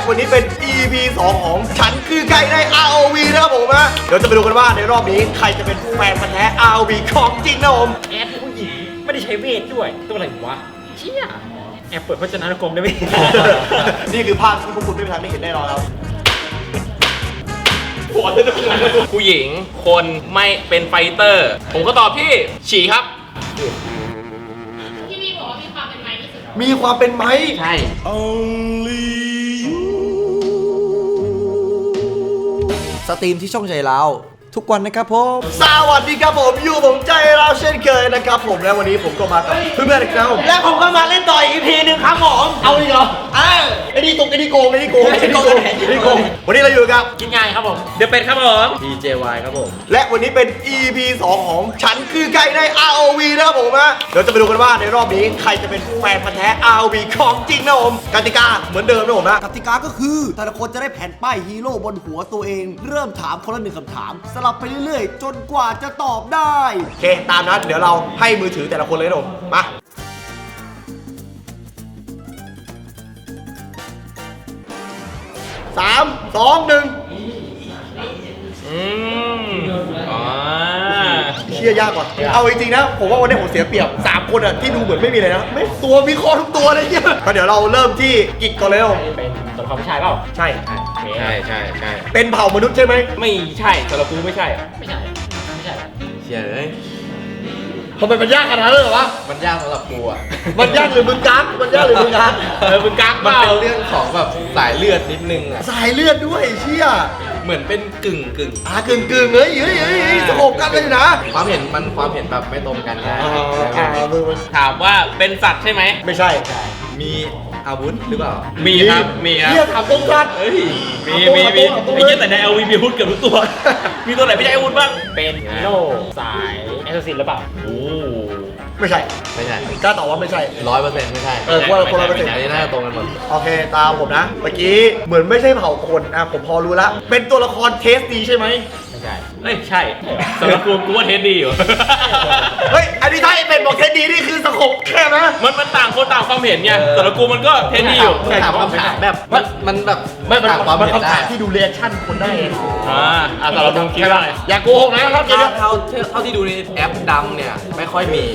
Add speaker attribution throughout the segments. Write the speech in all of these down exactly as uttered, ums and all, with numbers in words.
Speaker 1: วันนี้เป็น อี พี สองของฉันคือไก่ใน อาร์ โอ วี นะครับผมนะเดี๋ยวจะไปดูกันว่าในรอบนี้ใครจะเป็นแฟนพันธุ์แท้ อาร์ โอ วี ของจริงนะผม
Speaker 2: แอดผู้หญิงไม่ได้ใช้เวทด้วยตัวอะไรวะเชี่ยแอบเปิดพจนานุกรมได้ไหม
Speaker 1: นี่คือภาพที่พวกคุณไม่มีทางได้เห็นแน่นอนครับ
Speaker 3: ผู้หญิงคนไม่เป็นไฟเตอร์ ผมก็ตอบที่ฉี่ครับ
Speaker 4: ที่พี่บอกว่ามีความเป็นไม้ที่สุด
Speaker 1: มีความเป็นไหม
Speaker 3: ใช่
Speaker 5: สตรีมที่ช่องใจเราทุกวันนะครับผม
Speaker 1: สวัสดีครับผมอยู่ผมใจเราเช่นเคยนะครับผมและวันนี้ผมก็มากับเพื่อนๆอีกแล้วและผมก็มาเล่นต่ออีกทีนึงครับผมเอาอีกเหรออ้าวไอ้นี่ตกไอ้นี่โกงไอ้นี่โกงไอ้นี่โกงไอ้นี่โกงวันนี้เราอยู่กับ
Speaker 2: กินง่ายครับผม
Speaker 3: เดี๋ยวเป็นครับผม
Speaker 5: ดี เจ วาย ครับผม
Speaker 1: และวันนี้เป็น อี พี สองของฉันคือไก่ใน อาร์ โอ วี นะครับผมนะเดี๋ยวจะไปดูกันว่าในรอบนี้ใครจะเป็นแฟนพันธุ์แท้ อาร์ โอ วี ของจริงนะผมกติกาเหมือนเดิมนะผมนะ
Speaker 5: กติกาก็คือแต่ละคนจะได้แผ่นป้ายฮีโร่บนหัวตัวเอง เริ่มถามคนละหนึ่งคำถาม สลับไปเรื่อยๆ จนกว่าจะตอบได้
Speaker 1: โอเคตามนั้นเดี๋ยวเราให้มือถือแต่ละคนเลยนะผมมาสามสองหนึ่ง
Speaker 3: อืมอ๋อ
Speaker 1: เชี่ยยากว่ะเอาจริงๆนะผมว่าวันนี้ผมเสียเปรียบสามคนอ่ะที่ดูเหมือนไม่มีเลยนะไม่ตัวมีคอทุกตัวเลยเนี่ยก็เดี๋ยวเราเริ่มที่กิจก่อนเลยนะผม
Speaker 2: เป็นตัวละครผู้ชายเปล่า
Speaker 1: ใช่
Speaker 3: ใช่ใช่ใช่
Speaker 1: เป็นเผ่ามนุษย์ใช่ไหม
Speaker 3: ไม่ใช่สำหรับกูไม่ใช่
Speaker 2: ไม่ใช่ไม่ใช่
Speaker 3: เชี่ยเลย
Speaker 1: ทำไมมันยากขนาดนั้นเลยเหรอวะ
Speaker 6: มันยากสำหรับกูอ่ะ
Speaker 1: มันยากหรือมึงกักมันยากหรือมึงกัก
Speaker 3: เออมึงกักเป
Speaker 6: มัน
Speaker 3: ล่า
Speaker 6: เป็นเรื่องของแบบสายเลือดนิดนึงอ่ะ
Speaker 1: สายเลือดด้วยเชี่ย
Speaker 6: เหมือนเป็นกึ่งกึ่ง
Speaker 1: อ่ากึ่งกึ่งๆเฮ้ยเฮ้ยเฮ้ยเฮ้ยสงบกันเลยนะ
Speaker 6: ความเห็นมันความเห็นแบบไม่ตรงกันนะ
Speaker 1: อ่าอ่ามึงมัน
Speaker 3: ถามว่าเป็นสัตว์ใช่ไหม
Speaker 1: ไม่ใช่
Speaker 6: มีอาวุธหรือเปล่า
Speaker 3: มีครับมีครับ
Speaker 1: เชี่ยถามตรงกัน
Speaker 3: เอ้ยมีมีมีไอ้เหี้ยแต่ใน แอล วี มีอาวุธเกือบทุกตัว มีตัวไหนไม่ใช่อาวุธบ้าง
Speaker 2: เป็นฮีโร่สายแอสซัสซินหรือเปล่า
Speaker 3: โอ้
Speaker 1: ไม่ใช่
Speaker 6: ไม่ใช่
Speaker 1: กล้าตอบว่าไม่ใช่
Speaker 6: ร้อยเปอร์เซ็นต์ไม่ใช่
Speaker 1: เออว่าคนละเปอร์เซ็นต์
Speaker 6: อันนี้น่าจะตรงกันหมด
Speaker 1: โอเคตามผมนะ เมื่อกี้เหมือนไม่ใช่เผ่าคนอ่ะผมพอรู้ละเป็นตัวละครเทสดีใช่ไหม
Speaker 2: ไม่ใช่
Speaker 3: เอ้ยใช่สำหรับกูกูว่าเทสดีอยู่
Speaker 1: เฮ้ยอันนี้ถ้าไอ้เป็นบอกเทสดีนี่คือสงบแค่นะ
Speaker 3: มันมันต่างคนต่างความเห็นไงสำหรับกูมันก็เทสดีอยู่
Speaker 6: ถามคำถามแบบมันมันแบบ
Speaker 1: ไม่มัน
Speaker 6: ต่างความ
Speaker 1: มัน
Speaker 6: เห็น
Speaker 1: คำ
Speaker 6: ได้
Speaker 1: ถามที่ดูเรีแอคชั่นคนได้
Speaker 3: อ่าอ่ะสำหรับมึงคิดว่าไง
Speaker 1: อย่าโกหกนะครับเดี๋ยว
Speaker 6: เท่าเท่าเท่าที่ดูในแอปดำเนี่ยไม่ค่อยมี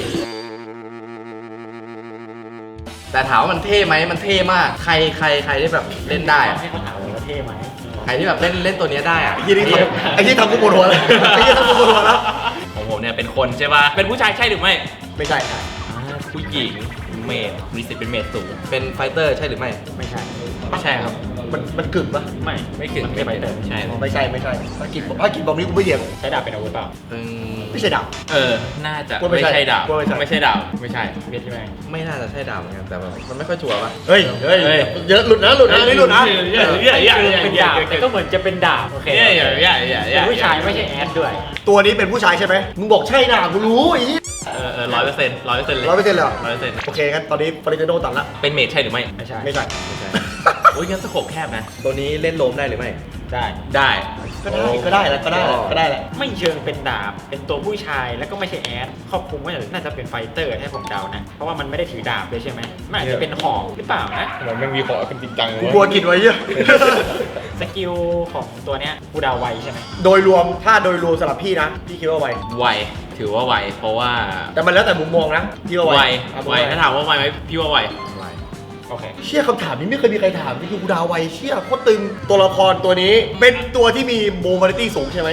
Speaker 6: แต่ถามว่ามันเท่ไหมมันเท่มาก ใครใครใครที่แบบเล่นได้อะ
Speaker 2: ให้เขาถามเลยว่าเท่ไหม
Speaker 6: ใครที่แบบเล่นเล่นตัวเนี้ยได้อะ
Speaker 1: ไอ้ที่นี่ทำไอ้ที่ทำกูปวดหัวเลยไอ้ที่ทำกูปวดหัวแล้ว
Speaker 3: ของผมเนี่ยเป็นคนใช่ป่ะเป็นผู้ชายใช่หรือไม่
Speaker 1: ไม่ใช่
Speaker 3: อ่าผู้หญิงเมดมีสิทธิ์เป็นเมดสูง
Speaker 6: เป็นไฟเตอร์ใช่หรือไม่
Speaker 2: ไม่ใช่
Speaker 3: ไม่ใช่ครับ
Speaker 1: มันมันกึ่งปะ
Speaker 2: ไม่
Speaker 3: ไม่ถึง
Speaker 2: ไม่ไปเติม
Speaker 3: ใช่
Speaker 1: ไม่ใช่ไม่ใช่ภารกิจภารกิจบอกนี้กูไม่เถียง
Speaker 2: ใช้ดาบเป็นอาวุธเปล่า
Speaker 6: อืม
Speaker 1: ไม่ใช่ดาบ
Speaker 3: เออน่าจะ
Speaker 1: ว่าไม่
Speaker 3: ไม่
Speaker 1: ใช่
Speaker 3: ใช่ดาบ
Speaker 1: ว่าไม่ใช่
Speaker 3: ไม่ใช่ดาบไม่ใช่
Speaker 2: เวทใช่ไหม
Speaker 6: ไม่น่าจะใช่ดาวเหมือนกันแต่แบบมันไม่ค่อยชัวร์ป่ะ
Speaker 1: เฮ้ยเฮ้ย
Speaker 3: เฮ้ย
Speaker 1: เยอะหลุดนะหลุดนะอันนี่หลุดนะ
Speaker 3: เยอะเยอะเยอะเยอะ
Speaker 2: เป็นดาบแต่ก็เหมือนจะเป็นดาบโอเค
Speaker 3: เยอะเยอะเยอะเยอะเย
Speaker 2: เป็น
Speaker 3: อะ
Speaker 2: ผู้ชายไม่ใช่แอดด้วย
Speaker 1: ตัวนี้เป็นผู้ชายใช่ไหมมึงบอกใช่นะกูรู้อี
Speaker 3: เออเออร้อยเปอร์เซ็นต์ร้อยเปอร์เซ็นต์เลย
Speaker 1: ร้อยเปอร์เซ็นต์เลยเหรอ
Speaker 3: ร้อยเปอร์เซ็นต์
Speaker 1: โอเคงั้นตอนนี้ฟริเตโดตัดละ
Speaker 3: เป็นเมดใช่หรือไม่
Speaker 2: ไม่ใช่
Speaker 1: ไม่ใช่
Speaker 6: ไม่ใช่
Speaker 3: โอ้ยงั้นสโคปแคบนะ
Speaker 6: ตัวนี้เล่นโลมได้หรือไม่
Speaker 2: ได้
Speaker 3: ได้
Speaker 1: ก็ได้ก็ได้แหละก็ได้แหละก็ได้แหละ
Speaker 2: ไม่เชิงเป็นดาบ เป็นตัวผู้ชายแล้วก็ไม่ใช่แอดครอบคลุมว่าน่าจะเป็นไฟเตอร์ให้ผมเดานะ เพราะว่ามันไม่ได้ถือดาบเลยใช่ไหมมันอาจจะเป็นหอกหรือเปล่านะ
Speaker 3: มันไม่มีขอเป็นจริงจัง
Speaker 1: กูกลัวกินไว้เยอะ
Speaker 2: สกิลของตัวเนี้ยกูเดาไวใช่ไหม
Speaker 1: โดยรวมถ้าโดยรวมสำหรับพี่นะพี่คิดว่าไว
Speaker 3: ไวถือว่าไวเพราะว่า
Speaker 1: แต่มันแล้วแต่มุมมองนะพี่ว่าไว
Speaker 3: ไว
Speaker 1: อ่ะ
Speaker 3: ไวถ้าถามว่าไวไหมพี่ว่าไว
Speaker 2: โอเค
Speaker 1: เชี่ยคำถามนี้ไม่เคยมีใครถามนี่คือกูดาวไวเชี่ยโคตรตึงตัวละครตัวนี้เป็นตัวที่มีโมบิลิตี้สูงใช่ไหม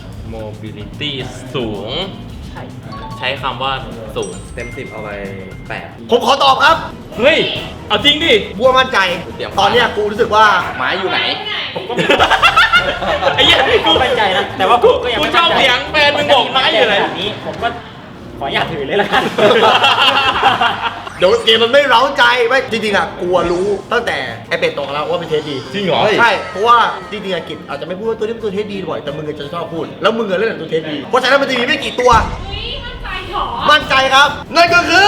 Speaker 3: mobility สูง
Speaker 2: ใช่
Speaker 3: ใช้คำว่าสูง
Speaker 6: เต็มสิบเอาไปแปด
Speaker 1: ผมขอตอบครับ
Speaker 3: เฮ้ย เอาจริงดิ
Speaker 1: บัวมั่นใจ
Speaker 6: เตรียม
Speaker 1: ตอนเนี้ยกูรู้สึกว่า
Speaker 6: ไม้อยู่ไหน
Speaker 2: ผมก็
Speaker 3: ไอ้เหี้ย
Speaker 2: กูมั่นใจนะ แต่ว่าผมก็ยัง
Speaker 3: กู
Speaker 2: ไม่
Speaker 3: ชอบเสียงแฟนมึงบอกไม้อยู่ไหน
Speaker 2: แบบนี้ผมก็ขออย่าตถือเลยละกัน
Speaker 1: เดี๋ยวเกมมันไม่เร้าใจไม่จริงๆอะกลัวรู้ตั้งแต่ไอเป็ดตกแล้วว่าเป็นเทสดี
Speaker 3: จริงเหรอ
Speaker 1: ใช่เพราะว่าจริงๆอะกิจอาจจะไม่พูดว่าตัวนี้เป็นตัวเทสดีบ่อยแต่มึงจะชอบพูดแล้วมึงอะเล่นแต่ตัวเทสดีเพราะฉะนั้นมันจะมีไม่กี่ตัว
Speaker 4: อุ้ยมั่นใจเหรอ
Speaker 1: มั่นใจครับนั่นก็คือ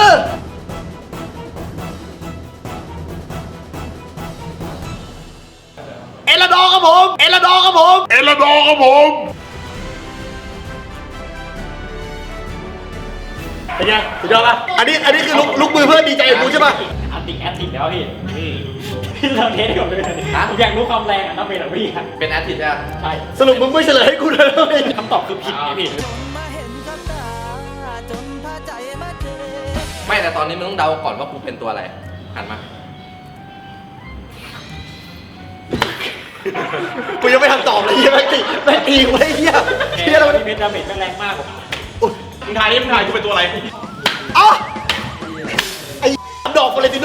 Speaker 1: เอลดอครับผมเอลดอครับผมเอลดอครับผมเป็นไงสุดยอดปะอันนี้อันนี้คือลุกลุกมือเพื่อนดีใจกับกูใช่ปะ
Speaker 2: อันติแอดติแล้วพี่พี่เราเทสก่อนเลยผมอยากรู้ความแรงอ่ะต้องเป็นอะไรพี่อ่ะ
Speaker 6: เป็นแอดทิใช่ไหม
Speaker 2: ใช่
Speaker 1: สรุปมึงไม่เฉลยให้กูเลย
Speaker 2: คำตอบคือผิดไงพี่
Speaker 6: ไม่แต่ตอนนี้มึงต้องเดาก่อนว่ากูเป็นตัวอะไรหันมา
Speaker 1: กูยังไม่ทำตอบเลยเฮียแม่งตีแม่งตีกูไอ้เฮีย
Speaker 2: เฮี
Speaker 1: เฮี
Speaker 2: ย
Speaker 1: ย
Speaker 2: เรา
Speaker 1: เรา
Speaker 2: เป็นดาเมจแรงมากผม
Speaker 3: มึงทายนี่มึงทายกูเป็นตัวอะไร
Speaker 1: เอ้าไอ้ดอกวาเลนติโน่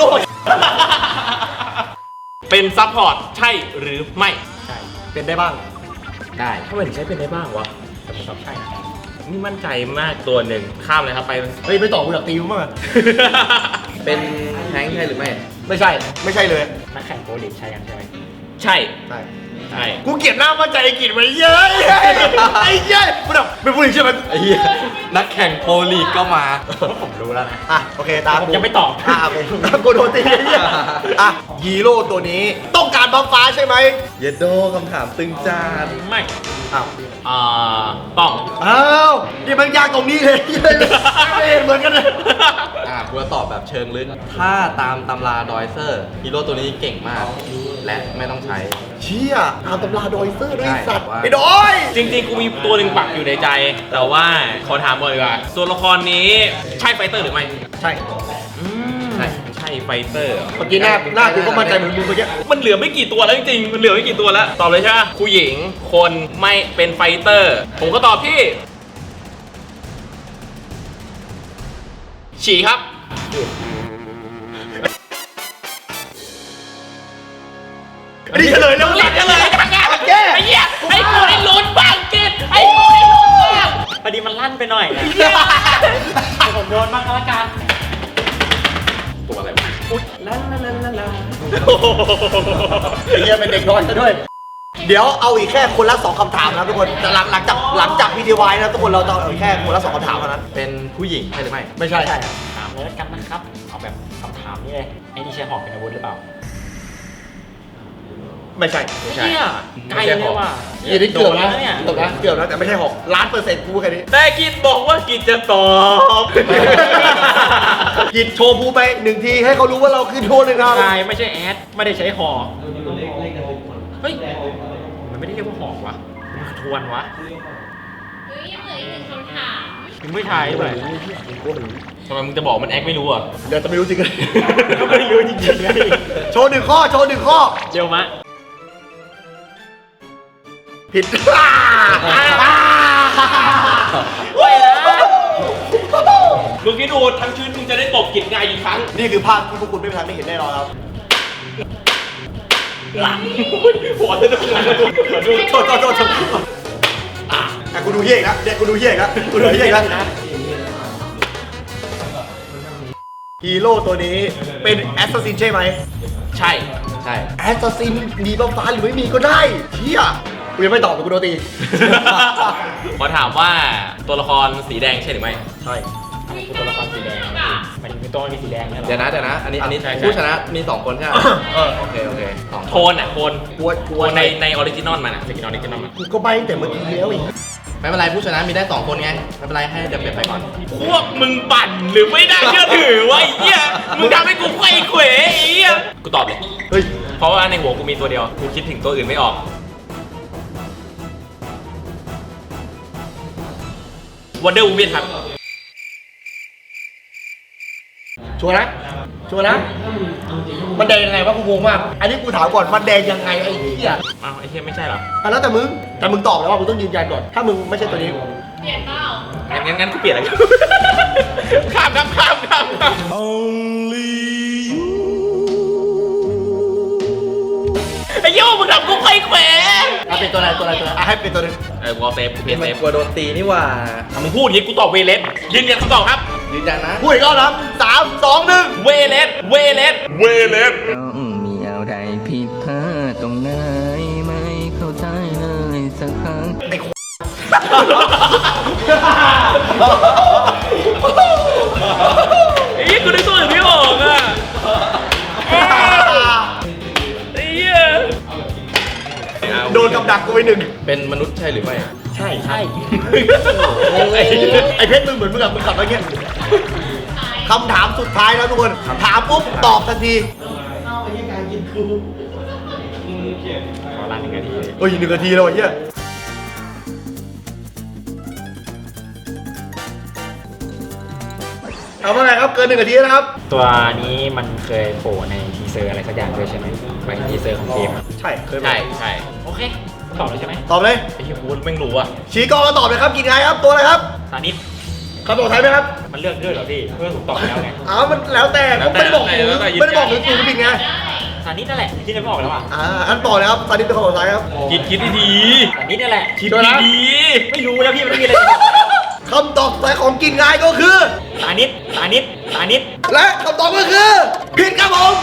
Speaker 3: เป็นซัพพอร์ตใช่หรือไม่
Speaker 2: ใช่
Speaker 1: เป็นได้บ้าง
Speaker 3: ได้ทำไมถึงใช้เป็นได้บ้างวะ
Speaker 2: แต่ผมตอบใช่นะ
Speaker 3: นี่มั่นใจมากตัวหนึ่งข้ามเลยครับไป
Speaker 1: เฮ้ยไม่ตอบกูอยากตีมึงมาก
Speaker 6: เป็นแฮงค์ใช่หรือไม่
Speaker 1: ไม่ใช่ไม่ใช่เลย
Speaker 2: นักแข่งโปรลีกใช่ยังใช่ไหม
Speaker 3: ใช่
Speaker 1: ใช่
Speaker 3: ใช่
Speaker 1: กูเกลียดหน้ามั่นใจไอ้กิจไว้เย้ยไอ้เย้ยกูแบบเป็นผู้หญิงใช่ไหม
Speaker 6: ไอ้เหี้ยนักแข่งโปรลีกก็มา
Speaker 2: ผมรู้แล้วนะ
Speaker 1: อ่ะโอเคตาม
Speaker 2: ผมยังไม่ตอบ
Speaker 1: อ่ะโอเคกูโดนตีไอ้เหี้ยอ่ะฮีโร่ตัวนี้ต้องการบัฟฟ้าใช่ไหม
Speaker 6: เยดโดคำถามตึงจาน
Speaker 2: ไม่
Speaker 1: อ้าว
Speaker 3: อ่าต้อง
Speaker 1: อ้าวนี่มันยากตรงนี้เลยไม่เห็นเหมือนกันเลย
Speaker 6: อ่ากูจะตอบแบบเชิงลึก ถ้าตามตำราดอยเซอร์ฮีโร่ตัวนี้เก่งมาก และไม่ต้องใช้
Speaker 1: เชี่ยตามตำราดอยเซอร์ด้วย
Speaker 6: ใช่
Speaker 1: สัตว์
Speaker 6: ว่า
Speaker 1: ไอ้ดอย
Speaker 3: จริงๆ กูมีตัวหนึ่งปักอยู่ในใจ แต่ว่าขอถามก่อนดีกว่าตัวละครนี้ใช่ไฟเตอร์หรือไม่
Speaker 1: ใช่
Speaker 3: อืมใช่ใช่ไฟเตอร์เหรอ
Speaker 1: เมื่อกี้หน้าหน้ากูก็มั่นใจเหมือนมึงเมื่อกี้
Speaker 3: มันเหลือไม่กี่ตัวแล้วจริงๆ มันเหลือไม่กี่ตัวแล้ว ตอบเลยใช่ไหมผู้หญิง คนไม่เป็นไฟเตอร์ ผมก็ตอบที่ ฉีครับ
Speaker 1: อันนี้เฉลยแล้ว
Speaker 3: เล่นกันเลยจังไง
Speaker 1: แก้
Speaker 3: ไอ้เหี้ยไอ้กูได้ลุ้นบ้างกินไอ้กูได้ลุ้นบ้าง
Speaker 2: พอดีมันลั่นไปหน่อยนะผมโดนบ้างก็แล้วกัน
Speaker 3: ตัวอะไรวะอุ๊ยลาลาลาลาลา
Speaker 1: ไอ้เหี้ยเป็นเด็กน้อยซะด้วย เดี๋ยวเอาอีกแค่คนละสองคำถามนะครับทุกคนแต่หลังหลังจากหลังจากวีดีโอไว้นะทุกคนเราจะเอาอีกแค่คนละสองคำถามเท่านั้น
Speaker 6: เป็นผู้หญิงใช่หรือไม่
Speaker 1: ไม่ใช่
Speaker 2: ใช่ถามเลยแล้วกันนะครับ เอาแบบคำถามนี่เลยไอ้นี่ใช้หอกเป็นอาวุธหรือเปล่า
Speaker 1: ไม่ใช่
Speaker 3: ไม่ใช่
Speaker 2: เนี่ยไกลเลยว่ะ
Speaker 1: อันนี้เกือบนะ
Speaker 2: โดนแล้วเนี่ย
Speaker 1: เกือบนะเกือบนะแต่ไม่ใช่หกล้านเปอร์เซ็นต์กูแค่นี้
Speaker 3: แต่กินบอกว่ากินจะตอบ
Speaker 1: หยิบโชว์ภูไปหนึ่งทีให้เขารู้ว่าเราคือโชว์หนึ่งครับ
Speaker 2: ใช่ไม่ใช่แอดไม่ได้ใช้หอกเฮ้ยมันไม่ได้เรียกว่าหอกวะมันคือทวนวะ
Speaker 4: เฮ้ยยังเหลืออีกหนึ่งคำถาม
Speaker 2: มึงไม่ทายด้วย
Speaker 3: ทำไมมึงจะบอกมันแอคไม่รู้อ่ะ
Speaker 1: เดี๋ยวจะไม่รู้จริงเลย
Speaker 2: ก็ไม่รู้จริงๆไง
Speaker 1: โชว์หนึ่งข้อโชว์หนึ่งข้อ
Speaker 2: เดี๋ยวมะ
Speaker 1: ผิด
Speaker 2: โอ้ยนะ
Speaker 3: มึงคิดดูทั้งชีวิตมึงจะได้ตบกินง่ายกี่ครั้ง
Speaker 1: นี่คือภาพที่พวกคุณไม่มีทางได้เห็นแน่นอนครับ
Speaker 3: หลังหัวจะจะหัวจะหัวจะ
Speaker 1: โทษโทษโทษโทษอ่ะกูดูเหี้ยอีกแล้วเนี่ยกูดูเหี้ยอีกแล้วกูดูเหี้ยอีกแล้วฮีโร่ตัวนี้เป็นแอสซัสซินใช่ไหม
Speaker 3: ใช่
Speaker 6: ใช่
Speaker 1: แอสซัสซินมีบัฟฟ้าหรือไม่มีก็ได้เชี่ยกูยังไม่ตอบแต่กูโดนตี
Speaker 3: ขอถามว่าตัวละครสีแดงใช่หรือไม่
Speaker 1: ใช่
Speaker 2: กูตัวละครสีแดงมันมีตัวมีสีแดงเนี่ยหรอ
Speaker 6: เดี๋ยวนะเดี๋ยวนะ อันนี้อันนี้
Speaker 3: ใช่ใช่
Speaker 6: ผู้ชนะมีสองคนใช่ไหม
Speaker 1: เออ
Speaker 6: โอเคโอเคสอง
Speaker 3: โทนอ่ะโทน
Speaker 1: กลัวก
Speaker 3: โท
Speaker 1: ลัวน
Speaker 3: ในในออริจินอลมันอ่ะสกินออริจินอลมัน
Speaker 1: กูก็ใบตั้งแต่เมื่อกี้แล้วอีก
Speaker 6: ไม่เป็นไรผู้ชนะมีได้สองคนไง ไม่เป็นไรให้เดี๋ยวเปลี่ยนไปก่อน
Speaker 3: พวกมึงปั่นหรือไม่ได้เชื่อถือวะไอ้เหี้ยมึงทำให้กูไขว้เขวไอ้เหี้ยกูตอบเลย
Speaker 1: เฮ้ย
Speaker 3: เพราะว่าในหัวกูมีตัวเดียวกูคิดถึงตัวอื่นไม่ออกวันเดอร์วูแมนครับ
Speaker 1: ชัวร์นะชัวร์นะมันแดงยังไงวะกูงงมากอันนี้กูถามก่อนมันแดงยังไงไอ้เหี้ย
Speaker 3: อ้าวไอ้เหี้ยไม่ใช่เหรอ
Speaker 1: อ่ะแล้วแต่มึงแต่มึงตอบแล้วว่ามึงต้องยืนยันก่อนถ้ามึงไม่ใช่ตัวนี้
Speaker 4: เปลี่ยนเปล่า
Speaker 3: งั้นงั้นงั้นกูเปลี่ยนอะไรกัน ข้ามครับข้ามข้ามข้ามไอ้โย่มึงทำกูไขว้เขว
Speaker 1: อ่ะเป็นตัวอะไรตัวอะไรตัวอะไรอ่ะให้เป็นตัวหนึง
Speaker 3: เออกูเอาเซฟกูเปลี่ยน
Speaker 6: มั
Speaker 3: เซ
Speaker 6: น
Speaker 3: ฟ
Speaker 6: กลัวโดนตีนี่หว่า
Speaker 3: อ่ะมึงพูดอย่างงี้กูตอบเวเลสยืนยันคำตอบครับ
Speaker 6: ยืนยันนะ
Speaker 1: พูดอีกรอบนะครับสามสองหนึ่ง
Speaker 3: เวเลสเวเลสเวเลส
Speaker 7: ต้องมีอะไรผิดพลาดตรงไหนไม่เข้าใจเลยสักครั้ง
Speaker 3: ไอ้เหี้ยกูนึกตัวอื่นไม่ออกอ่ะไอ้เหี้ย
Speaker 1: โดนกับดักกูไปหนึ่ง
Speaker 6: เป็นมนุษย์ใช่หรือไม่
Speaker 2: ใช่ใช่
Speaker 1: ไอ้ไอ้เพชรมึงเหมือนมึงกับมึงขับอะไรเงี้ยคำถามสุดท้ายแล้วทุกคนถามปุ๊บตอบทันที
Speaker 2: ขอรันหนึ่งนาที
Speaker 1: เฮ้ยหนึ่งนาทีแล้วไอ้เหี้ยเอาเมื่อไหร่ครับเกินหนึ่งนาทีนะครับ
Speaker 2: ตัวนี้มันเคยโผล่ในทีเซอร์อะไรสักอย่างด้วยใช่ไหมหมายถึงทีเซอร์ของเกมอะ
Speaker 1: ใช่เคย
Speaker 3: ใช่ใช่
Speaker 2: โอเคตอบเลยใช่ไหม
Speaker 1: ตอบเลย
Speaker 3: ไอ้เหี้ยกูแม่งรู้อ่ะ
Speaker 1: ชี้กล้องแล้วตอบเลยครับกินไงครับตัวอะไรครับ
Speaker 2: ซานิส
Speaker 1: คำตอบไทยไหมครับ
Speaker 2: มันเลือกด้วยเหรอพี่เพื่อนผมตอบแล้วไง
Speaker 1: อ้าวมันแล้วแต่ผมไม่ได้บอกถูกไม่ได้บอกถูกถูกผิดไง
Speaker 2: ซานิสนั่นแหละที่ได้บอกแล้วอ่ะ
Speaker 1: อ่าอันต่อเลยครับตอนนี้เป็นคำตอบไทยครับ
Speaker 3: คิดคิดดี
Speaker 2: ซานิสนั่นแหละ
Speaker 3: ๆคิด
Speaker 1: เดี๋ยวนะ
Speaker 3: ดี
Speaker 2: ไม่รู้แล้วพี่มันไม่มีอะไรจะบอกแล้ว
Speaker 1: คำตอบไทยของกินไงก็คือ
Speaker 2: ซานิสซานิสซานิส
Speaker 1: และคำตอบก็คือผิดครับผม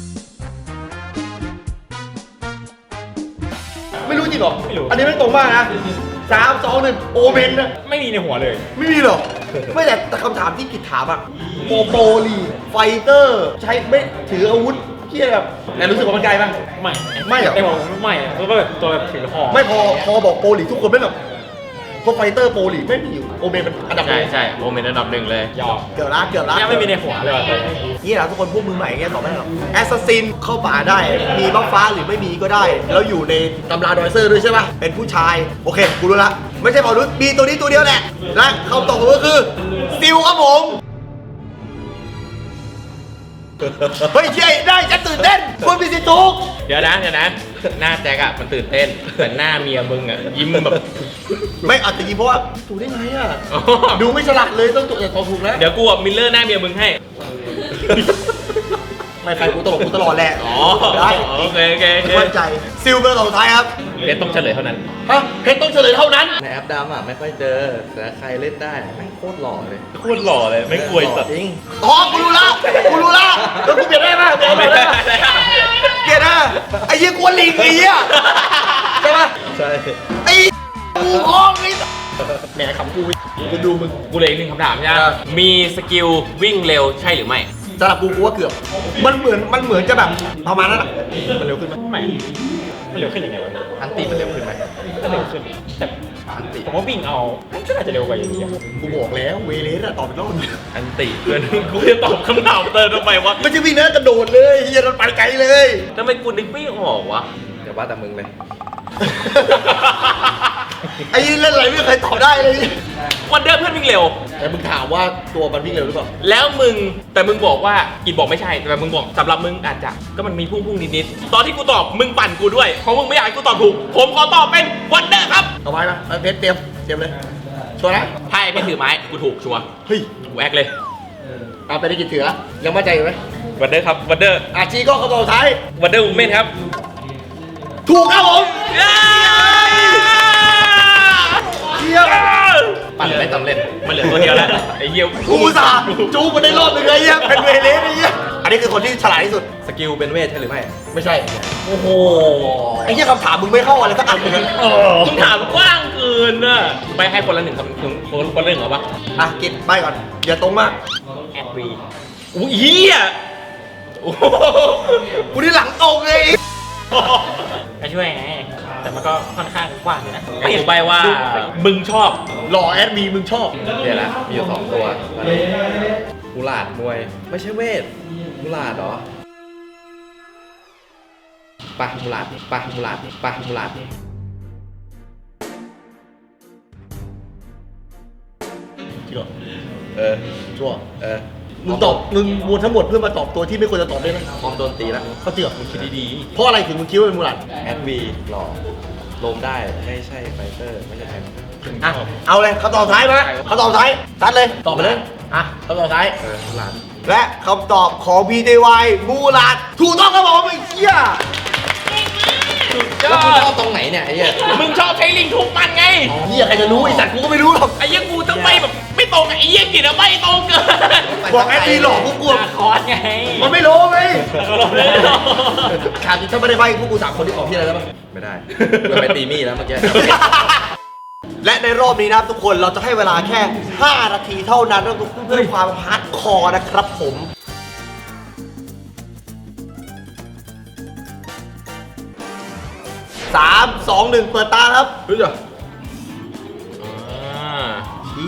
Speaker 1: ไม่รู้จริงเหรอ
Speaker 2: ไม่รู้
Speaker 1: อันนี้ไม่ตรงมากนะสามสองหนึ่งโอเมนนะ
Speaker 2: ไม่มีในหัวเลย
Speaker 1: ไม่มีหรอ ไม่แต่แต่คำถามที่กิดถามอะโปโปลีไฟเตอร์ใช้ไม่ถืออาวุธที่แบบแต่รู้สึกว่ามันไกลป่ะ
Speaker 2: ไม่
Speaker 1: ไม่เหรอ
Speaker 2: ไอ้บอกไม่อะเพราะว่าแบบตัวแบบถือหอก
Speaker 1: ไม่พอพอบอกโปลีทุกคนไม่แบบพวกไฟเตอร์โปลีไม่มีอยู่โอเมนมันอันดับห
Speaker 3: ใช่
Speaker 1: นึ่ง
Speaker 3: ใช่โมเมนต์อันดับหนึ่งเลย
Speaker 2: ยอม
Speaker 1: เกือบละเกือบละ
Speaker 2: ยังไม่มีในหัวเลยว่ะตัวนี้
Speaker 1: นี่แหละทุกคนพวกมือใหม่เงี้ยตอบไม่ได้หรอกแอสซัสซินเข้าป่าได้ มีบัฟฟ้าหรือไม่มีก็ได้ แล้วอยู่ในตำราดอยเซอร์ด้วยใช่ป่ะ เป็นผู้ชาย โอเค กูรู้ละ ไม่ใช่เผ่านุษย์มีตัวนี้ตัวเดียวแหละ และคำตอบผมก็คือซิลครับผม เฮ้ยเจ๊ได้ฉันตื่นเต้นคุณมีสิทธิ์ถูก
Speaker 3: เดี๋ยวนะเดี๋ยวนะ หน้าแจ็คอะมันตื่นเต้น แต่หน้าเมียมึงอะยิ้มแบบ
Speaker 1: ไม่อาจจะยิงเพราะว่าถูกได้ไงอ่ะ ดูไม่ฉลาดเลยต้องถูกแต่ตอบถูกนะ
Speaker 3: เดี๋ยวกูกับมิลเลอร์หน้าเมียมึงให้
Speaker 1: ไม่ใครกูตลกกูตลอดแหละ
Speaker 3: อ๋อ
Speaker 1: ได้
Speaker 3: โอเคโอเคโอเค
Speaker 1: มั่นใจ ซิลเป็นคำตอบสุดท้ายครับ
Speaker 3: เพชรต้องเฉลยเท่านั้น
Speaker 1: ฮะเพชรต้องเฉลยเท่านั้น
Speaker 6: ในแอปดำอ่ะไม่ค่อยเจอ แต่ใครเล่นได้แม่งโคตรหล่อเลย
Speaker 3: โคตรหล่อเลยไม่กลัว
Speaker 6: หล่อจริง
Speaker 1: อ๋อกูรู้ละกูรู้ละแล้วกูเปลี่ยนได้ไหมเปลี่ยน
Speaker 3: ไม่
Speaker 1: ได้
Speaker 3: ได้
Speaker 1: ไหม
Speaker 3: ไม่ได้
Speaker 1: เปลี่ยนได้ไอ้เหี้ยกวนลิงไอ้เหี้ยใช่ปะ
Speaker 6: ใช่
Speaker 1: ไอ้กูคล้องไอ้แหมขำกูกูดูมึง
Speaker 3: กูเลยอีกหนึ่งคำถามใช่ไหม
Speaker 1: ครับ
Speaker 3: มีสกิลวิ่งเร็วใช่หรือไม่
Speaker 1: สำหรับกูกูว่าเกือบ มันเหมือนมันเหมือนจะแบบประมาณนั้นอะมันเร็วขึ้นไหม
Speaker 2: ไม่มันเร็วขึ้นยังไงวะ
Speaker 6: อันตีมันเร็วขึ้นไหม
Speaker 2: ก็เร็วขึ้นแต่
Speaker 6: อันติ
Speaker 2: ผมว่าวิ่งเอามันก็น่าจะเร็วกว่าอยู่ดีอะ
Speaker 1: กูบอกแล้วเวเลสอะตอบอีกรอบนึง
Speaker 3: อันติเพื่อนกูจะตอบคำถามเติมทำไมวะ
Speaker 1: ไม่ใช่วิ่งนะกระโดดเลยเฮียมันไปไกลเลย
Speaker 3: ทำไมกูนึกไม่ออกวะ
Speaker 6: เดี๋ยวว่าแต่มึงเลย
Speaker 1: ไอ้เล่นอะไรไม่เคยตอบได้เลย
Speaker 3: วันเดอร์เพื่อนวิ่งเร็ว
Speaker 1: แต่มึงถามว่าตัวมันวิ่งเร็วหรือเปล่า
Speaker 3: แล้วมึงแต่มึงบอกว่ากินบอกไม่ใช่แต่มึงบอกสำหรับมึงอาจจะก็มันมีพุ่งพุ่งนิดๆตอนที่กูตอบมึงปั่นกูด้วยเพราะมึงไม่อยากให้กูตอบถูก ผมขอตอบเป็นวันเดอร์ครับ
Speaker 1: เอาไว้นะเอาเพชรเตรียมเตรียมเลยชัวร์นะ
Speaker 3: ไพ่เพชรถือไม้กูถูกชัวร์
Speaker 1: เฮ้ย
Speaker 3: กูแอคเลย
Speaker 1: เอาไปได้กี่ถือละยังมั่นใจอยู่ไหม
Speaker 3: วันเดอร์ครับวันเดอร์
Speaker 1: อาชีก็คำตอบสุดท้าย
Speaker 3: วันเดอร์วูแมนครับ
Speaker 1: ถูกครับผมเยี่ยม
Speaker 6: ปั่นไม่สำเร็จ
Speaker 3: มันเหลือตัวเดียวแล้วไอ้เหี้ย
Speaker 1: กูอุตสาห์จูมันได้รอบหนึ่งเลยเยี่ยเป็นเวเลสไอ้เยี่ยอันนี้คือคนที่ฉลาดที่สุด
Speaker 6: สกิลเป็นเวทใช่หรือไม่
Speaker 1: ไม่ใช่
Speaker 3: โอ้โห
Speaker 1: ไอ้เยี่ยคำถามมึงไม่เข้าอะไรสักอันเลย
Speaker 3: มึงถามกว้างเกินน่ะไปให้คนละหนึ่งคำถึงคนคนละหนึ่งเหรอปะ
Speaker 1: อ่ะกินไปก่อนอย่าตรงมาก
Speaker 2: แอดวี
Speaker 3: อุ้ยเหี้ยโอ้โห
Speaker 1: กูนี่หลังตรงเลย
Speaker 2: ก็ช่วยไงแต่มันก็ค่อนข้างกว้างอยู่นะ
Speaker 3: ไอ้กูใบว่ามึงชอบ
Speaker 1: หล่อแอดมีมึงชอบ
Speaker 6: เดี๋ยวละมีอยู่สองตัวมูลาดมวย ไม่ใช่เวทมูลาดเหรอปะมูลาดปะมูลาดปะมูลาด
Speaker 1: จริงเหรอ
Speaker 6: เออ
Speaker 1: ชัวร์
Speaker 6: เออ
Speaker 1: มึงตอบมึงมูลทั้งหมดเพื่อมาตอบตัวที่ไม่ควรจะตอบได้ไหม
Speaker 6: พร้อมโดนตีแล้ว
Speaker 1: เขาจริงเหรอมึงคิด
Speaker 6: ดี
Speaker 1: เพราะอะไรถึงมึงคิดว่าเป็นมูลัน
Speaker 6: ๆแอดวีหล่อลมได้ไม่ใช่ไฟเตอร์ ไม่ใช่แทง
Speaker 1: อ่ะเอาเลยคำตอบสุดท้ายมาคำตอบสุดท้ายตัดเลยตอบไปเลยอ่ะคำตอบสุดท้าย
Speaker 6: เออมูลาด
Speaker 1: และคำตอบของ พี ที วาย มูลันถูกต้องครับผมไอ้เหี้ย
Speaker 6: แล้วกูชอบตรงไหนเนี่ยไอ้เหี้ย
Speaker 3: มึงชอบใช้ลิงทุบมันไง
Speaker 1: เหี้ยใครจะรู้ไอ้สัตว์กูก็ไม่รู้หรอก
Speaker 3: ไอ้เหี้ยกูต้องไม่แบบไม่ตรงไอ้เหี้ยกินอะไม่ตรงเกิน
Speaker 1: บอกแอดมีหลอกกูกลัว
Speaker 2: คอร์สไง
Speaker 1: มันไม่รู้ไง
Speaker 3: ก็ลงเลย
Speaker 1: ขาดจริงถ้าไม่ได้ใบพวกกูสามคนที่ตอบที่อะไรแล้วมั้ง
Speaker 6: ไม่ได้เพื่อไปตีมี่แล้วเมื่อกี้
Speaker 1: และในรอบนี้นะครับทุกคนเราจะให้เวลาแค่ ห้า นาทีเท่านั้นเพื่อความฮาร์ดคอร์นะครับผมสาม สอง หนึ่งเปิดตาครับ
Speaker 6: รู้จัก
Speaker 3: อ่า
Speaker 1: เชี่ย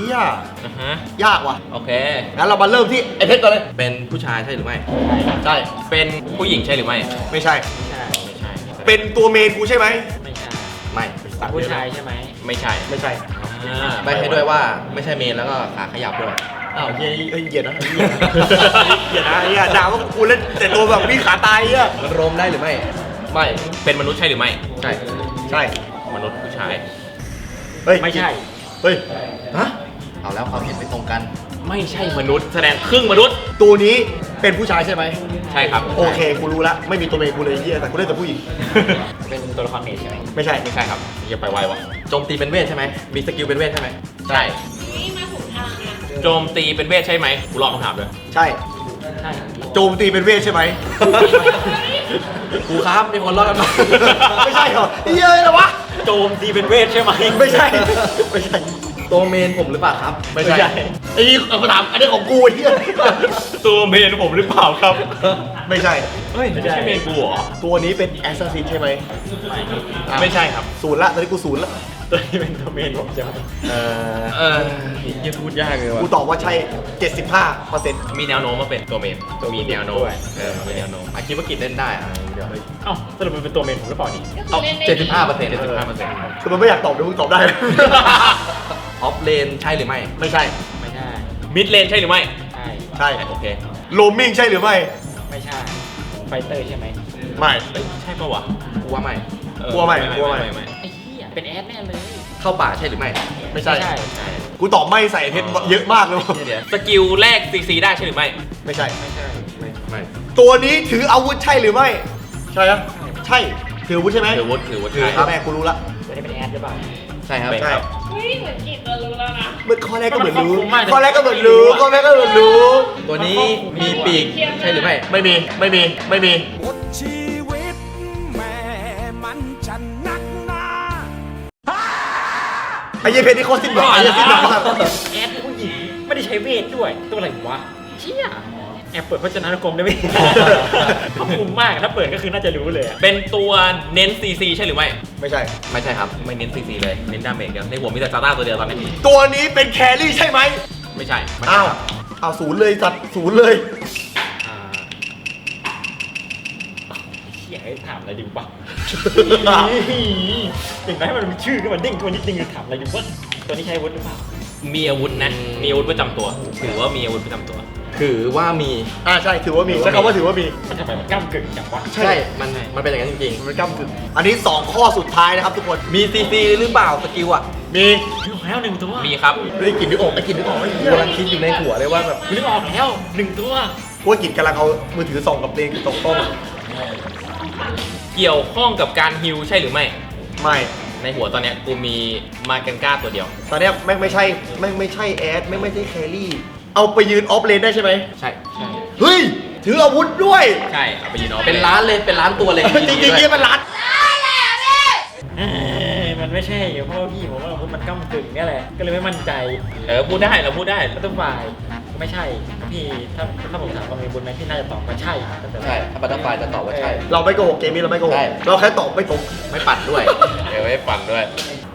Speaker 1: ย
Speaker 3: อ่ะฮะ
Speaker 1: ยากว่ะ
Speaker 3: โอเค
Speaker 1: งั้นเรามาเริ่มที่ไอเพชรก่อนเลย
Speaker 6: เป็นผู้ชายใช่หรือไม่
Speaker 1: ใช่
Speaker 3: เป็นผู้หญิงใช่หรือไม่
Speaker 1: ไม่ใช่
Speaker 2: ไม่ใช่ไม่ใช่
Speaker 1: เป็นตัวเมนกูใช่ไหม
Speaker 2: ไม่ใช่
Speaker 6: ไม่
Speaker 2: ผู้ชายใช่ไหม
Speaker 3: ไม่ใช่
Speaker 1: ไม่ใช่
Speaker 3: อ่า
Speaker 6: ใบให้ด้วยว่าไม่ใช่เมนแล้วก็ขาขยับด้วย
Speaker 1: อ้าวเฮียเฮ้ยเหยียดนะเหยียดนะเหยียดนะเฮียด่าว่ากูเล่นแต่ตัวแบบมีขาตายเฮีย
Speaker 6: มันโรมได้หรือไม่
Speaker 1: ไม่
Speaker 3: เป็นมนุษย์ใช่หรือไม่
Speaker 6: ใช่
Speaker 1: ใช่
Speaker 3: มนุษย์ผู้ชาย
Speaker 1: เฮ้ย
Speaker 2: ไม่ใช่
Speaker 1: เฮ้ย
Speaker 6: ฮะ เอาแล้วความเห็นไม่ตรงกัน
Speaker 3: ไม่ใช่มนุษย์ แสดงครึ่งมนุษย์
Speaker 1: ตัวนี้เป็นผู้ชายใช่ไหม
Speaker 3: ใช่ครับ
Speaker 1: โอเคกูรู้ละไม่มีตัวเมนกูเลยเฮียแต่กูเล่นแต่ผู้หญิง
Speaker 2: เป็นตัวละครเมจใช่ไหม
Speaker 1: ไม่ใช่
Speaker 3: ไม่ใช่ครับอย่าไปไววะ
Speaker 6: โจมตีเป็นเวทใช่ไหม มีสกิลเป็นเวทใช่ไหม
Speaker 3: ใช่
Speaker 4: นี่มาถูกทางนะ
Speaker 3: โจมตีเป็นเวทใช่ไหมกูลองคำถามด้วย
Speaker 1: ใช่
Speaker 2: ใช่
Speaker 1: โจมตีเป็นเวทใช่ไหม
Speaker 6: ครูครับมีคนรอดกันมา
Speaker 1: ไม่ใช่เหรอเฮียอะไรวะ
Speaker 2: โจมตีเป็นเวทใช่ไหม
Speaker 1: ไม่ใช่ไม่ใช่
Speaker 6: ตัวเมนผมหรือเปล่าครับ
Speaker 1: ไม่ใช่ไอ้นี่เอามาถามอันนี้ของกูไอ้เฮีย
Speaker 3: ตัวเมนผมหรือเปล่าครับ
Speaker 1: ไม่ใช่
Speaker 3: เฮ้ยไม่ใช่เมนกูเหรอ
Speaker 1: ตัวนี้เป็นแอสซัสซินใช่ไหม
Speaker 3: ไม่ใช่ครับ
Speaker 1: ศูนย์ละตอนนี้กูศูนย์ละ
Speaker 2: ตัวนี้เป็นตัวเมนผมใช่ไหม
Speaker 1: เออ
Speaker 3: เออยังพูดยากเลยว่ะ
Speaker 1: กูตอบว่าใช่ เจ็ดสิบห้าเปอร์เซ็นต์
Speaker 3: มีแนวโน้มว่าเป็นตัวเมนมีแนวโน้มเออมีแนวโน้ม
Speaker 6: อาคิดว่ากินเล่นได้อะเดี๋ยว
Speaker 2: เอ้าสรุปมันเป็นตัวเมนผมหรือเปล่านี่
Speaker 4: ก็คือเล่นได้
Speaker 6: เจ็ดสิบห้าเปอร์เซ็นต์
Speaker 3: เจ็ดสิบห้าเปอร์เซ็นต์
Speaker 1: คือมันไม่อยากตอบเดี๋ยวมึงตอบได้
Speaker 6: ออฟเลนใช่หรือไม่
Speaker 1: ไม่ใช่
Speaker 2: ไม่ใช่
Speaker 3: มิดเลนใช่หรือไม่
Speaker 2: ใช่
Speaker 1: ใช่
Speaker 3: โอเค
Speaker 1: โลมิงใช่หรือไม่
Speaker 2: ไม่ใช่ไฟเตอร์ใช่ไหม
Speaker 1: ไม่
Speaker 3: เอ้ยใช่ปะวะ
Speaker 6: กูว่าไม่
Speaker 3: เออก
Speaker 1: ลัวไหมกลัวไหม
Speaker 3: ไม่
Speaker 2: ไอ้เหี้ยเป็นแอดแน่เลย
Speaker 6: เข้าป่าใช่หรือไม่
Speaker 1: ไม่ใช่
Speaker 2: ใช่
Speaker 3: ใช่
Speaker 1: กูตอบไม่ใส่เพชรเยอะมากเลย
Speaker 6: เดี๋ยว
Speaker 3: สกิลแรกซีซีได้ใช่หรือไม่
Speaker 1: ไม่ใช่
Speaker 2: ไม่ใช่
Speaker 6: ไม่ไม่
Speaker 1: ตัวนี้ถืออาวุธใช่หรือไม่ ใช่ครับใช่ ถืออาวุธใช่ไหม
Speaker 3: ถือวุฒิถือวุฒิ
Speaker 1: ถือครับแม่กูรู้ละ
Speaker 2: ตัวนี้เป็นแอดหรือเปล่า
Speaker 6: ใช่ครับ
Speaker 3: เป็น
Speaker 1: ใช่
Speaker 3: ครับ
Speaker 4: เฮ้ยเหมือนกิจจะรู้แล้วนะ
Speaker 1: เมื่อข้อแรกก็เหมือนรู้
Speaker 2: มันครอบคลุมมาก
Speaker 1: ข้อแรกก็เหมือนรู้ข้อแรกก็เหมือนรู้
Speaker 6: ตัวนี้มีปีกใช่หรือไม่
Speaker 1: ไม่มีไม่มีไม่มี
Speaker 5: บทชีวิตแม่มันจะนักหนา
Speaker 1: ไอ้เหี้ยเพชรนี่โคตรสิ้นหวังไอ้เหี้ยสิ้นหวังมาก
Speaker 2: แอดผู้หญิงไม่ได้ใช้เวทด้วยตัวอะไรวะเชี่ยแอบเปิดพจนานุกรมได้ไหม ขอบคุณมากถ้าเปิดก็คือน่าจะรู้เลยอะ
Speaker 3: เป็นตัวเน้นซีซีใช่หรือไม่
Speaker 1: ไม่ใช่
Speaker 6: ไม่ใช่ครับ
Speaker 3: ไม่เน้นซีซีเลย เน้นดาเมจเดียวในหัวมีแต่ซาต้าตัวเดียวตอนนี้
Speaker 1: ตัวนี้เป็นแครี่ใช่ไหม
Speaker 3: ไม่ใช่ไม่
Speaker 1: อ้าว
Speaker 3: ใช่ครับ
Speaker 1: อ้าวศูนย์เลยสัตว์ศูนย์เลย
Speaker 3: อ่า
Speaker 2: เชี่ยให้ถามอะไรดีวะ อย่างไรมันมีชื่อขึ้นมาเด้งขึ้นมานิดนึงถามอะไรดีวะตัวนี้ใช้อาวุธหรือเปล่า
Speaker 3: มีอาวุธนะ มีอาวุธประจำตัว ถือว่ามีอาวุธประจำตัว
Speaker 6: ถือว่ามี
Speaker 1: อ่าใช่ถือว่ามีใช้คำว่าถือว่ามี
Speaker 2: มันทำไมมันก้ามกึ่งจังวะ
Speaker 6: ใช่ มันมันเป็นอย่างนั้นจริง
Speaker 1: มันก้ำกึ่งอันนี้สองข้อสุดท้ายนะครับทุกคน
Speaker 6: ๆ มีซีซีหรือเปล่าสกิลอ่ะ
Speaker 1: มี
Speaker 2: นึกออกแล้วหนึ่งตัว
Speaker 3: มีครับ
Speaker 1: เฮ้ยกลินนึกออกไอ้กลินนึกออกไอ้
Speaker 6: กู
Speaker 1: เหี้ย
Speaker 6: กำลังคิดอยู่ในหัวเลยว่าแบบ
Speaker 2: นึกออกแล้วหนึ่งตัว
Speaker 1: พวกกลินกำลังเอามือถือส่องกับเพลงตรงต้น
Speaker 3: เกี่ยวข้องกับการฮิลใช่หรือไม่
Speaker 1: ไม่
Speaker 3: ในหัวตอนเนี้ยกูมีมาเกนก้าตัวเดียว
Speaker 1: ตอนเนี้ยแม่งไม่ใช่แม่งไม่ใช่แอดแม่งไม่ใช่แครี่ เอาไปยืนออฟเลนได้ใช่ไหม
Speaker 3: ใช่ ใช่
Speaker 1: เฮ้ย ถืออาวุธด้วย
Speaker 3: ใช่ เอาไปยืนเอา
Speaker 6: เป็นล้านเลย เป็นล้านตัวเลย
Speaker 1: จริงจริงๆเนี่ยมันรัด
Speaker 2: เอ้ยมันไม่ใช่เพราะว่าพี่ผมว่าอาวุธมันก้ามกึ่งเนี่ยแหละก็เลยไม่มั่นใจ
Speaker 3: เออ พูดได้ เราพูดได้
Speaker 2: แล้วตัวฝ่ายไม่ใช่พี่ถ้าถ้าผมถามว่ามีบุญไหมพี่น่าจะตอบว่าใช่ตั้งแต่แร
Speaker 6: ใช่
Speaker 2: ก
Speaker 6: ถ้าบัตเตอร์ไฟจะตอบว่าใช่
Speaker 1: เราไม่โกหกเกมนี้เราไม่โกห
Speaker 6: ใช่
Speaker 1: กเราแค่ตอบไม่ตรง
Speaker 6: ไม่ปัดด้วย
Speaker 3: เออไม่ปั่นด้วย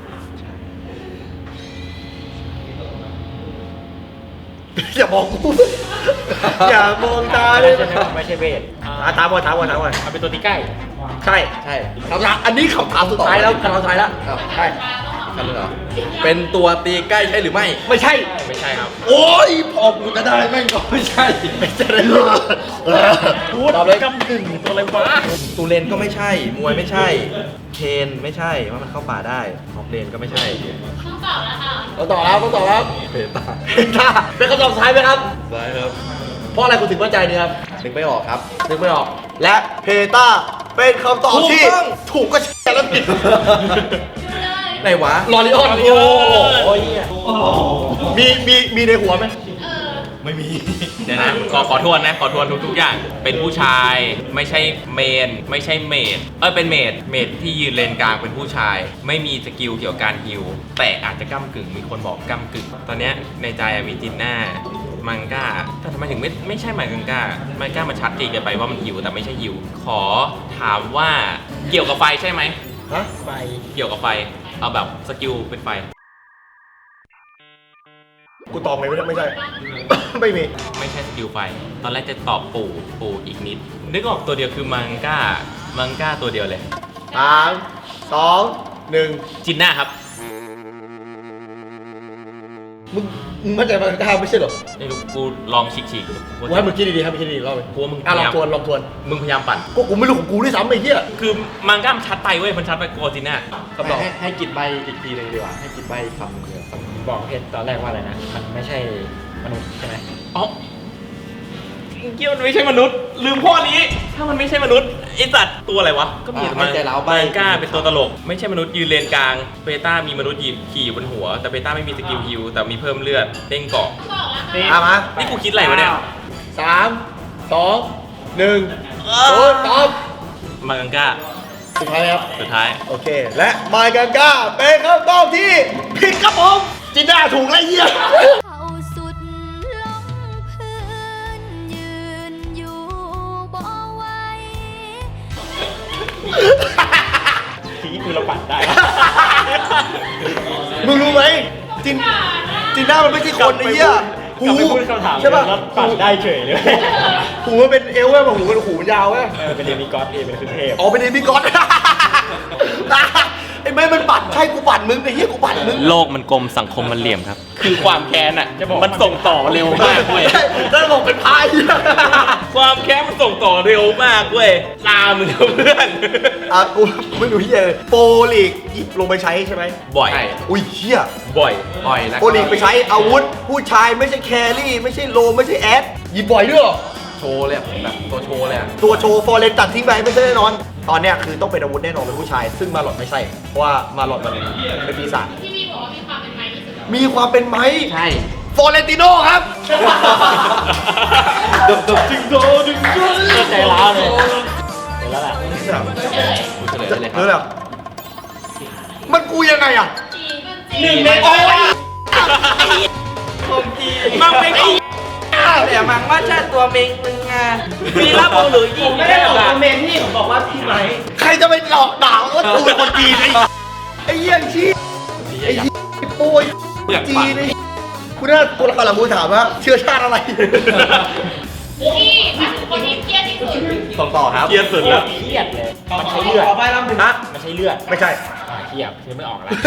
Speaker 1: อย่ามองกู อย่ามองตาเลย
Speaker 2: ใช่ไหมไม่ใช่เวท
Speaker 1: อ่ะถามก่อนถามก่อนถามก่อน
Speaker 2: มันเป็นตัวตีใกล้
Speaker 1: ใช่
Speaker 6: ใช่
Speaker 1: คำถามอันนี้คำถามสุดท้ายแล้วคำถามสุดท้ายแล้ว
Speaker 6: อ้าว
Speaker 1: ใช่
Speaker 6: ทำเลยเหรอ เป็นตัวตีใกล้ใช่หรือไม่
Speaker 1: ไม่ใช่
Speaker 3: ไม่ใช่ครับ
Speaker 1: โอ้ยพอกูจะได้แม่งก็ไม่ใช่ ไม่ใช่เลย
Speaker 2: พูด
Speaker 6: ตอบเลย
Speaker 2: ก้ามกึ่งตัวอะไรวะ
Speaker 6: ตูเลนก็ไม่ใช่ มวยไม่ใช่ เทนไม่ใช่ว่ามันเข้าป่าได้ออฟเลนก็ไม่ใช่
Speaker 4: ต้องตอบแล้วค่ะ
Speaker 1: เราต่อแล้วเราต่อแล้ว
Speaker 6: เพตา
Speaker 1: ถ้าเป็นคำตอบสุดท้ายไหมครับ
Speaker 6: ได้ครับ
Speaker 1: เพราะอะไรคุณถึงมั่นใจเนี่ยครับ
Speaker 6: นึกไม่ออกครับ
Speaker 1: นึกไม่ออก และเพต้าเป็นคำตอบที่
Speaker 6: ถูกต้อง
Speaker 1: ถูกก็ใช่แล้วผิด
Speaker 4: ดูเลย
Speaker 6: ไหนวะ
Speaker 1: ลอริออน
Speaker 2: โอ้โหเหี้ย
Speaker 1: มีมีมีในหัวไหม
Speaker 4: เออ
Speaker 6: ไม่มี
Speaker 3: เดี๋ยวนะ ขอขอทวนนะ ขอทวนทุกๆอย่าง เป็นผู้ชาย ไม่ใช่เมน ไม่ใช่เมดเออเป็นเมด เมดที่ยืนเลนกลางเป็นผู้ชาย ไม่มีสกิลเกี่ยวกับการฮิลแต่อาจจะก้ากึ่ง มีคนบอกก้ากึ่ง ตอนเนี้ยในใจอะมีจินน่า มังก้า แต่ทำไมถึงไม่ไม่ใช่มังก้า มังก้ามันชัดเจนเกินไปว่ามันฮิวแต่ไม่ใช่ฮิว ขอถามว่าเกี่ยวกับไฟใช่ไหม
Speaker 1: ฮะ
Speaker 2: ไป
Speaker 3: เกี่ยวกับไฟ เอาแบบสกิลเป็นไฟ
Speaker 1: กูตอบไงไม่ได้ไม่ใช่ ไม่มี
Speaker 3: ไม่ใช่สกิลไฟ ตอนแรกจะตอบปู่ปู่อีกนิด นึกออกตัวเดียวคือมังก้า มังก้าตัวเดียวเลย
Speaker 1: สามสองหนึ่ง
Speaker 3: จินน่าครับ
Speaker 1: มึงมึงมั่นใจมันกล้าไม่ใช่เหรอ
Speaker 3: ไม่รู้กูลองฉีกฉีกๆดู
Speaker 1: กูให้มึงคิดดีๆให้มึงคิดดีๆรอบไป
Speaker 3: กลัวมึง
Speaker 1: อ่ะลอง
Speaker 3: พยายาม
Speaker 1: ทวนลองทวน
Speaker 3: มึงพยายามปั่น
Speaker 1: ก็กูไม่รู้ของกูด้วยซ้ำไอ้เหี้ย
Speaker 3: คือมังก้ามันชัดไปเว้ย มันชัดไปกว่าจินน่าคำตอบ
Speaker 2: ให้ให้กินใบอีกทีหนึงดีกว่า ให้กินใบคำหนึงเดียวบอกเพชรตอนแรกว่าอะไรนะ มันไม่ใช่มนุษย์ใช่ไหม
Speaker 3: อ๋อเกี่ยวมันไม่ใช่มนุษย์ ลืมข้อนี้ ถ้ามันไม่ใช่มนุษย์ไอสัตว์ตัวอะไรวะ ก็มี
Speaker 6: อ่ะ
Speaker 3: มั
Speaker 6: ให้ใจเราใบ้
Speaker 3: มังก้าเป็นตัวตลก ไม่ใช่มนุษย์ยืนเลนกลาง เบต้ามีมนุษย์ยืนขี่อยู่บนหัว แต่เบต้าไม่มีสกิลฮิลแต่มีเพิ่มเลือดเด้งเกาะ
Speaker 4: บอกแล้วค่ะ
Speaker 1: อ่ะมา
Speaker 3: นี่กูคิดอะไรวะเนี่ย
Speaker 1: สามสองหนึ่งโอ้ตอบ
Speaker 3: มังก้า
Speaker 1: สุดท้ายครับ
Speaker 3: สุดท้าย
Speaker 1: โอเค และมากันก้าเป็นคำตอบที่ผิดครับผมจินดาถูกแล้วเหี้ย
Speaker 8: เขาสุดลงพื้นยืนอยู่บ่ไหว
Speaker 2: ทีนี้คือเราปั่นได้
Speaker 1: มึงรู้ไหมจินจินด้ามันไม่ใช่คนไอ้เหี้ย
Speaker 2: กลับไปพูดคำถาม
Speaker 1: ใช่ป่ะ
Speaker 2: แล้วปั่นได้เฉยเลย
Speaker 1: หูมันเป็นเอลเว้ยหูมันหูมันยาวเว้ย
Speaker 2: เออเป็นเดมิกอสเอเป็นคือเทพ
Speaker 1: อ๋อเป็นเอมิกอส ไอ้แม่มันปั่นใช่กูปั่นมึงไอ้เหี้ยกูปั่นมึง
Speaker 3: โลกมันกลมสังคมมันเหลี่ยมครับ คือความแค้นอ่ะ
Speaker 2: จะบอก
Speaker 3: มันส่งต่อเร็วมากเว้ย
Speaker 1: แล้วบอกเป็นพาย
Speaker 3: ความแค้นมันส่งต่อเร็วมากเว้ยลามึงเถอะเพื่อน
Speaker 1: อ่ะกูไม่รู้เหี้ยเลยโปรลีกหยิบลงไปใช้ใช่ไหม
Speaker 3: บ่อย
Speaker 6: ใช่
Speaker 1: อุ้ยเหี้ย
Speaker 3: บ่อย
Speaker 6: บ่อยแล้ว
Speaker 1: โปรลีกไปใช้อาวุธ ผู้ชายไม่ใช่แครี่ ไม่ใช่โลไม่ใช่แอดหยิบบ่อยด้วยเหรอ
Speaker 6: โชว์เลยอะแบบตัวโชว์เลยอะ
Speaker 1: ตัวโชว์ฟอร์เรนตัดทิ้งไปไม่ใช่แน่นอน ตอนเนี้ยคือต้องเป็นอาวุธแน่นอนเป็นผู้ชาย ซึ่งมาหลอดไม่ใช่ เพราะว่ามาหลอดมันเป็นปีศาจ
Speaker 4: ที่มีบอกว่ามีความเป็นไม้ที่สุด
Speaker 1: มีความเป็นไหม
Speaker 6: ใช่
Speaker 1: ฟอร์เรนติโนครับ
Speaker 2: ดึงดึงดึงดึงดึงใจร้าวเลยเห็นแล้วแหละ
Speaker 6: กูเฉลยเลยครั
Speaker 1: รู้แล้วมันกูยังไงอ่ะ
Speaker 4: จีน
Speaker 2: หนึ่งใน
Speaker 1: โอ้ย
Speaker 3: มังเป็นไอ้
Speaker 6: แต่มังว่าใช่ตัวเมงมึงอ่ะ
Speaker 3: มีรับเอาหรือยิงไม่ได้หรอก
Speaker 2: เมนที่ผมบอกว่าพี่ไหม
Speaker 1: ใครจะไปหลอกด่าว่ากูเป็นคนจีนไอ้ไอ้เหี้ยชี้ไอ้เหี้ยไอ้โป้ย
Speaker 3: เปลือก
Speaker 1: จี
Speaker 3: ปาก
Speaker 1: นไอ้คุณน่าตัวละครหลังกูถามว่าเชื้อชาติอะไร
Speaker 4: ที่แบบคนที่เครียดที่สุด
Speaker 1: ส่งต่อครับ
Speaker 3: เกียร์สุดแล้ว
Speaker 2: เครียดเลย มันใช้เลือด
Speaker 1: ฮะ
Speaker 2: มันใช้เลือด
Speaker 1: ไม่ใช่
Speaker 2: อ่าเครียดคือไม่ออกแล้ว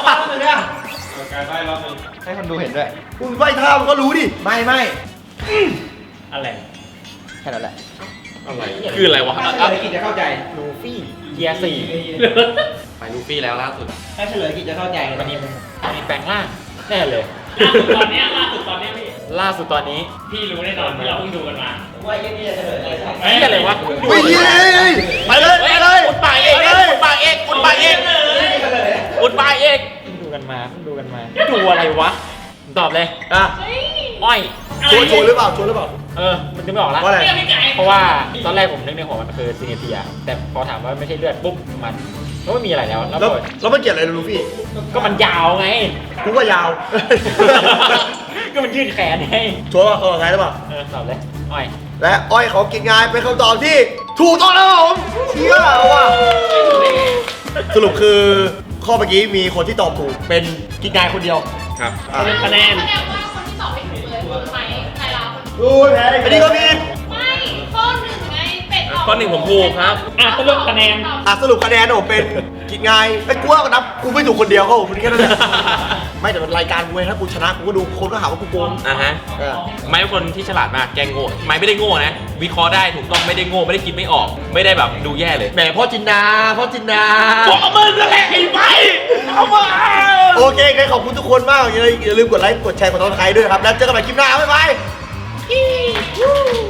Speaker 6: ให้คนดูเห็นด้วย
Speaker 1: คุณไหว้ท่ามันก็รู้ดิ
Speaker 6: ไม่ไม่
Speaker 2: อะไร
Speaker 6: แค่นั้นแหละ
Speaker 3: อะไรคืออะไรวะ
Speaker 6: ถ้าเฉลยกิจจะเข้าใจ
Speaker 2: ลูฟี่เกียร์สี่
Speaker 6: ไปลูฟี่แล้วล่าสุด
Speaker 2: ถ้าเฉลยกิจจะเข้าใจวันนี้มันมีแปลงร่างแน่เลย
Speaker 4: ตอนเนี้ยล่าสุดตอนเนี้ยพี่
Speaker 2: ล่าสุดตอนนี้
Speaker 4: พี่รู้แน่นอนที่เราเพิ่งดูกันมา
Speaker 2: เฮ้ยอะไรวะ
Speaker 1: ไม่เย้ยไปเลยไปเลย
Speaker 3: อุดปากเอกอุดปากเอกอุดปากเอกอุดปากเอก
Speaker 2: เพิ่งดูกันมาเพิ่งดูกันมา ดูอะไรวะ ตอบเลย
Speaker 1: อ่ะ
Speaker 4: เฮ้ย
Speaker 2: อ้อย
Speaker 1: ชวนชวนหรือเปล่าชวนหรือเปล่า
Speaker 2: เออ มันจะไม่ออกละ
Speaker 1: ว่าอะไร
Speaker 4: เรื่องพี่ไก่
Speaker 2: เพราะว่าตอนแรกผมนึกในหัวมันคือซีเนเทีย แต่พอถามว่าไม่ใช่เลือดปุ๊บมันก็ไม่มีอะไรแล้ว แล้ว
Speaker 1: แล้ว
Speaker 2: ก็
Speaker 1: แล้วมันเกี่ยวอะไรกับลูฟี่
Speaker 2: ก็มันยาวไง
Speaker 1: กูก็ยาว
Speaker 2: ก็มันยืดแขนไง
Speaker 1: ชัวร์ป่ะเออไงหรือเปล่า
Speaker 2: เออตอบเลย อ้อย
Speaker 1: และอ้อยของกินงานเป็นคำตอบที่ถูกต้องแล้วครับผมเชี่ยว่ะสรุปคือข้อเมื่อกี้มีคนที่ตอบถูกเป็นกินงานคนเดียว
Speaker 3: ครับ
Speaker 1: อ่ะ
Speaker 2: คะแนน
Speaker 4: แสดงว่าคนที่ตอบไม่ถูกเลยคือไม้ไทยเรา
Speaker 1: ดูแพ้อันนี้ก็ผิด
Speaker 4: ไม่ข้อหนึ่งไงเป็ดตอบ
Speaker 3: ข้อหนึ่งผมถูกครับ
Speaker 2: อ่ะสรุปคะแนน
Speaker 1: อ่ะสรุปคะแนนผมเป็นกินงานไอ้กูว่าก็นับกูไม่ถูกคนเดียวเขาผมแค่นั้นแหละไม่แต่เป็นรายการกูไงถ้ากูชนะกูก็ดูคนก็หาว่ากูโกง
Speaker 3: อ่ะฮะ
Speaker 1: เออ
Speaker 3: ไม้เป็นคนที่ฉลาดมาก แกงโง่ ไม้ไม่ได้โง่นะ วิเคราะห์ได้ถูกต้องไม่ได้โง่ ไม่ได้คิดไม่ออก ไม่ได้แบบดูแย่เลย
Speaker 1: แหมพ่อจินดาพ่อจินดา
Speaker 3: บอกเอามือนั่นแหละไอ้ไม้เอามา
Speaker 1: โอเคงั้นขอบคุณทุกคนมากอย่าลืมกดไลค์กดแชร์กดติดตามด้วยนะครับแล้วเจอกันใหม่คลิปหน้าบ๊ายบาย